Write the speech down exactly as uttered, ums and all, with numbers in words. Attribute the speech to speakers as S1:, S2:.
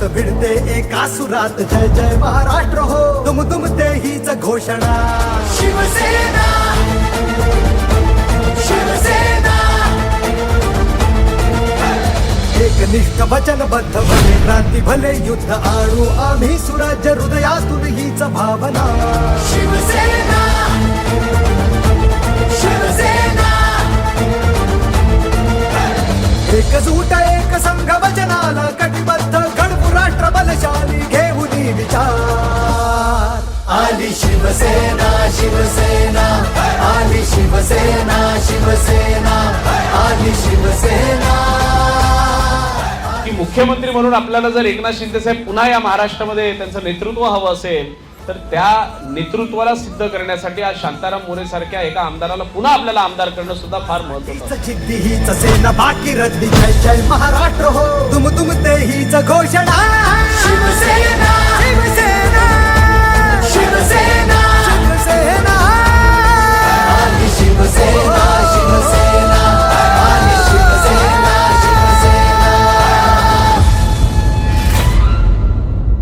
S1: भिडते एका सुरात जय जय महाराष्ट्र हो तुम तुम ते हीच घोषणा शिवसेना शिवसेना एकनिष्ठ वचनबद्ध भले क्रांती भले युद्ध आणू आम्ही सुराज्य हृदयातून हीच भावना शिवसेना शिवसेना एकजूट एक संघ वचनाला कटिबद्ध घडवू राष्ट्र बलशाली घेऊन विचार आली शिवसेना शिवसेना आली शिवसेना शिवसेना आली शिवसेना।
S2: की मुख्यमंत्री म्हणून आपल्याला जर एकनाथ शिंदे साहेब पुन्हा या महाराष्ट्रामध्ये त्यांचं नेतृत्व हवं असेल तर त्या नेतृत्वाला सिद्ध करण्यासाठी आज शांताराम मोरे सारख्या एका आमदाराला पुन्हा आपल्याला आमदार करणं सुद्धा फार महत्त्वाचं आहे।
S1: जिद्दी हीच सेना बाकी रद्दी जय जय महाराष्ट्र हो तुम तुम ते हीच घोषणा